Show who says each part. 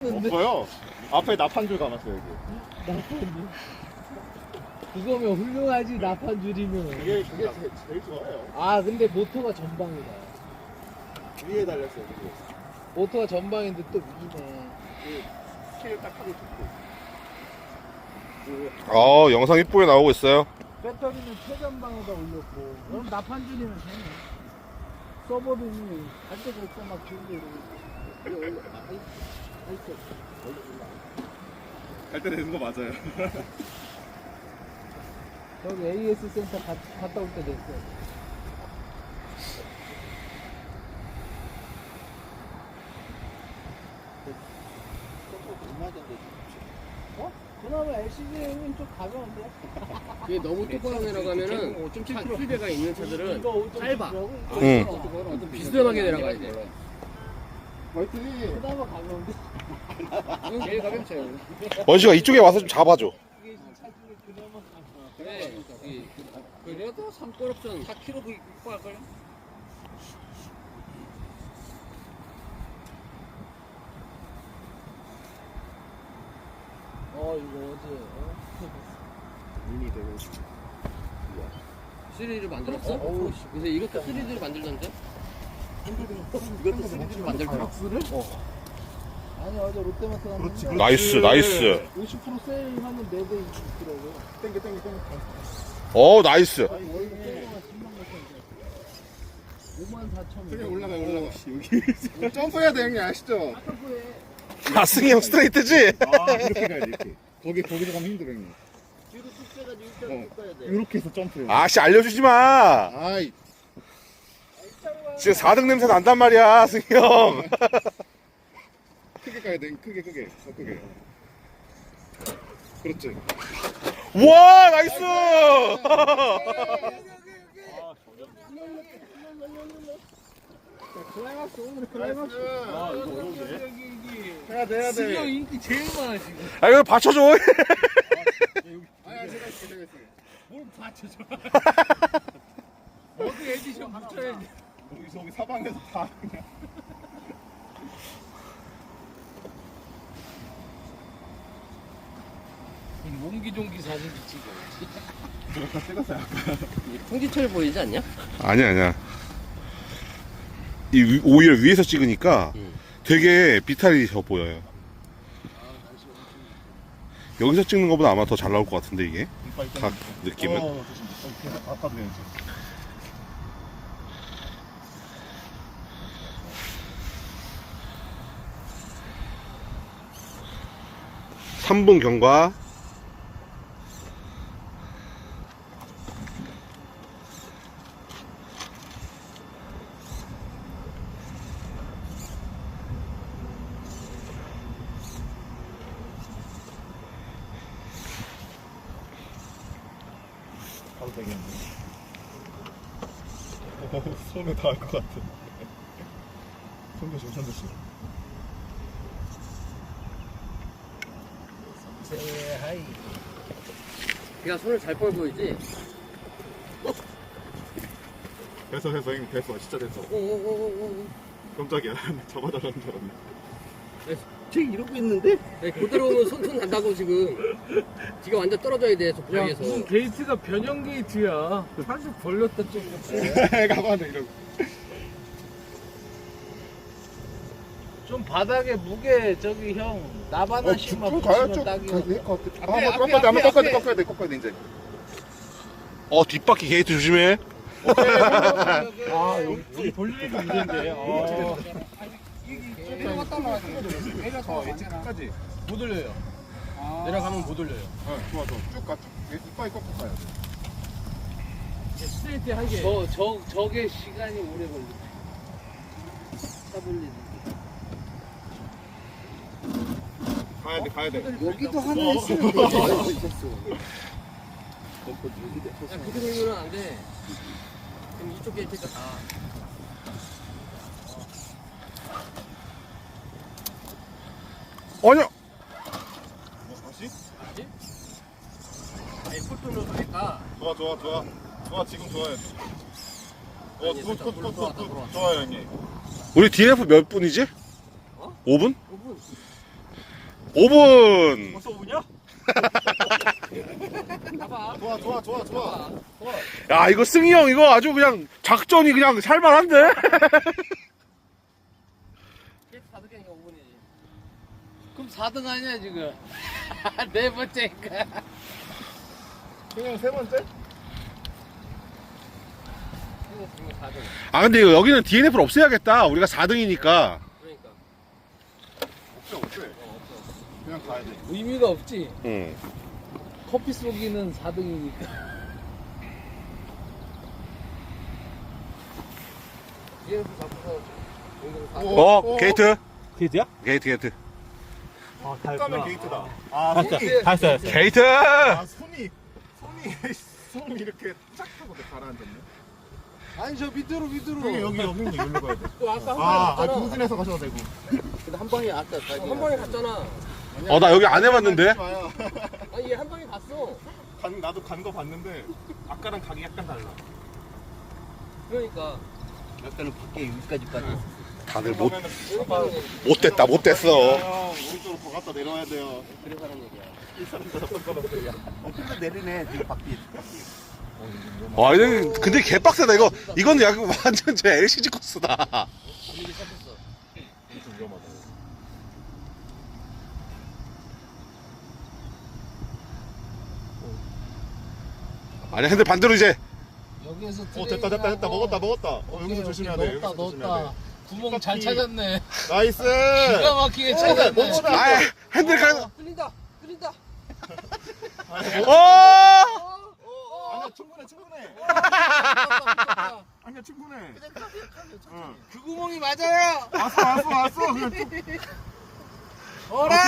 Speaker 1: 없어요. 앞에 나판줄 감았어요 여기.
Speaker 2: 나판줄. 그거면 훌륭하지 나판줄이면.
Speaker 1: 그게 제일 좋아요.
Speaker 2: 아 근데 모터가 전방이다.
Speaker 1: 위에 달렸어요. 위에.
Speaker 2: 모터가 전방인데 또 위네.
Speaker 1: 스케일 딱 하고 좋고.
Speaker 3: 영상 이쁘게 나오고 있어요.
Speaker 2: 배터리는 최전방에다 올렸고. 그럼 나판줄이면 되네. 서버는 갈 데가 없어 막 줄게 이러고.
Speaker 1: 갈때 되는 거 맞아요.
Speaker 2: 저기 AS 센터 갔다 올 때 됐어. 어? 그나마 LCD는 좀 가벼운데?
Speaker 4: 이게 너무 뚜껑 내려가면은 휠배가 있는 차들은 짧아.
Speaker 3: 응.
Speaker 4: 좀 비스듬하게 내려가야 돼.
Speaker 1: 화이팅!
Speaker 2: 그나마 가벼운데?
Speaker 4: 제일 가벼운 차예요.
Speaker 3: 원시가 이쪽에 와서 좀 잡아줘.
Speaker 2: 이게 차 중에 그나마 가벼워.
Speaker 4: 그래. 그래도 3골업전 4kg 그 할걸요?
Speaker 2: 이거 어제
Speaker 1: 눈이 되고.
Speaker 4: 시리즈를 만들었어? 그래서 이것도 시리즈를 만들던데? 이것도 시리즈를 만들더라.
Speaker 2: 아니 어제 롯데마트 갔는데
Speaker 3: 나이스, 나이스.
Speaker 2: 50% 세일하는 4대 있더라고.
Speaker 1: 땡겨.
Speaker 3: 나이스.
Speaker 2: 아니 월급 세일가 10만 원 54,000원.
Speaker 1: 그냥 올라가. 여기. 점프해야 돼 형님 아시죠?
Speaker 3: 승희 형 스트레이트지?
Speaker 1: 이렇게 가야지 이렇게. 거기서 가면 힘들어 형님.
Speaker 2: 뒤로 쭉 빼가지고 일단 쭉 가야 돼.
Speaker 1: 이렇게 해서 점프해요.
Speaker 3: 아씨, 알려주지 마.
Speaker 1: 아이.
Speaker 3: 지금 4등 냄새 난단 말이야, 승희 형.
Speaker 1: 크게 가야 돼. 크게. 더 크게. 그렇지.
Speaker 3: 와, 나이스.
Speaker 2: 클라이막스 오늘 클라이막스.
Speaker 1: 이거 어려운데? 해야 돼.
Speaker 2: 승형 인기 제일 많아 지금.
Speaker 3: 이거 받쳐줘.
Speaker 1: 아야 제가 있어요.
Speaker 2: 뭘 받쳐줘. 어디 에디션 붙여야지.
Speaker 1: 저기 사방에서 다 그냥.
Speaker 2: 몽기종기 사진 찍어.
Speaker 1: 제가 다 찍었어요 아까.
Speaker 4: 풍지철 보이지 않냐?
Speaker 3: 아니야. 오히려 위에서 찍으니까 되게 비탈이 져 보여요. 여기서 찍는 것보다 아마 더 잘 나올 것 같은데 이게 각 느낌은.
Speaker 1: 아까 그랬지.
Speaker 3: 삼분 경과.
Speaker 1: 바로 되겠네. 손에 닿을 것 같아. 손 조심.
Speaker 2: 하이.
Speaker 4: 걔가 손을 잘 뻘고 있지?
Speaker 1: 됐어 형님 됐어 진짜 됐어.
Speaker 4: 오오오오오.
Speaker 1: 깜짝이야. 잡아달라는 줄 알았네.
Speaker 4: 쟤 이러고 있는데? 네, 그대로 오면 손 난다고 지금. 지가 완전 떨어져야 돼, 저
Speaker 2: 야
Speaker 4: 부위에서.
Speaker 2: 무슨 게이트가 변형 게이트야. 살짝 벌렸다 좀.
Speaker 1: 가만히 이러고.
Speaker 2: 좀 바닥에 무게 저기 형 나바나씩만
Speaker 1: 쭉 가야 쭉
Speaker 2: 붙이면
Speaker 1: 가야
Speaker 2: 딱이야.
Speaker 1: 될것 같아.
Speaker 4: 앞에,
Speaker 1: 한번
Speaker 4: 앞에,
Speaker 1: 한번
Speaker 4: 앞에.
Speaker 1: 꺾어야 돼 이제.
Speaker 3: 뒷바퀴 게이트 조심해.
Speaker 2: 아 여기 돌리는 게 문제인데.
Speaker 1: 내려갔다 놔. 내려서 끝까지.
Speaker 2: 못 올려요.
Speaker 4: 내려가면 못 올려요.
Speaker 1: 좋아. 쭉 가. 이빨 꺾고 가야 돼.
Speaker 2: 스트레이트 한 개. 저게 시간이 오래 걸려. 차 돌리는.
Speaker 1: 가야 돼.
Speaker 2: 여기도 하나 했으면 돼.
Speaker 4: 야, 그대로 오면 안 돼. 그럼 이쪽 게이트가 다.
Speaker 3: 아니야.
Speaker 1: 다시?
Speaker 4: 아니, 풀돈을 하니까.
Speaker 1: 좋아 지금 좋아요. 굿 좋아요 형님.
Speaker 3: 우리 DNF 몇 분이지? 5분?
Speaker 4: 5분.
Speaker 3: 5분.
Speaker 2: 벌써 오냐?
Speaker 4: 봐봐.
Speaker 1: 좋아.
Speaker 3: 야, 이거 승희 형, 이거 아주 그냥 작전이 그냥 살만한데?
Speaker 4: 계속 4등이니까 5분이지. 그럼 4등 아니야, 지금? 네 번째니까.
Speaker 1: 그냥 세 번째?
Speaker 4: 지금 4등.
Speaker 3: 아, 근데 이거 여기는 DNF를 없애야겠다. 우리가 4등이니까.
Speaker 4: 그러니까.
Speaker 1: 없어. 그냥 가야 돼.
Speaker 2: 의미가 없지.
Speaker 3: 응.
Speaker 2: 커피 쏘기는 4등이니까.
Speaker 4: DNF 잡고서 여기서 4등.
Speaker 3: 게이트.
Speaker 5: 게이트야?
Speaker 3: 게이트.
Speaker 5: 아, 다
Speaker 1: 까면
Speaker 5: 했구나.
Speaker 1: 게이트다. 아,
Speaker 5: 다
Speaker 1: 손이.
Speaker 5: 했어. 다 했어.
Speaker 3: 게이트!
Speaker 1: 아, 손이 이렇게 쫙 하고 가라앉았네.
Speaker 4: 아니, 저 밑으로.
Speaker 1: 여기 여기로 가야 돼.
Speaker 4: 또 아까 한 방에 갔잖아.
Speaker 1: 동진에서 가셔도 되고.
Speaker 4: 근데 한 방에 아까 한 방에 갔잖아.
Speaker 3: 나 여기 안 해봤는데?
Speaker 4: 아니, 얘 한 방에 갔어.
Speaker 1: 나도 간 거 봤는데 아까랑 각이 약간 달라.
Speaker 4: 그러니까. 약간은 밖에 여기까지 빠져.
Speaker 3: 다들
Speaker 4: 그러니까
Speaker 3: 못됐다, 못됐어.
Speaker 1: 형, 오른쪽으로 더 갔다 내려와야 돼요.
Speaker 4: 그래서 하는 얘기야.
Speaker 1: 근데 내리네, 뒤로 바퀴.
Speaker 3: 와, 근데 개빡세다, 이거. 이건 약간 완전 제 LCG 코스다.
Speaker 4: 분위기 섞였어.
Speaker 1: 좀 위험하다.
Speaker 3: 아니, 근데 반대로 이제.
Speaker 2: 여기에서
Speaker 1: 됐다. 먹었다. 여기서 조심해야 돼. 여기서 조심해야 돼.
Speaker 2: 구멍 잘 찾았네.
Speaker 1: 나이스.
Speaker 2: 기가 막히게 찾았네.
Speaker 1: 멈추다.
Speaker 3: 아, 핸들 가.
Speaker 4: 끌린다.
Speaker 1: 아니야, 충분해. 아니야, 충분해.
Speaker 2: 그 구멍이 맞아요.
Speaker 1: 왔어. 그냥 쭉.
Speaker 2: 어라.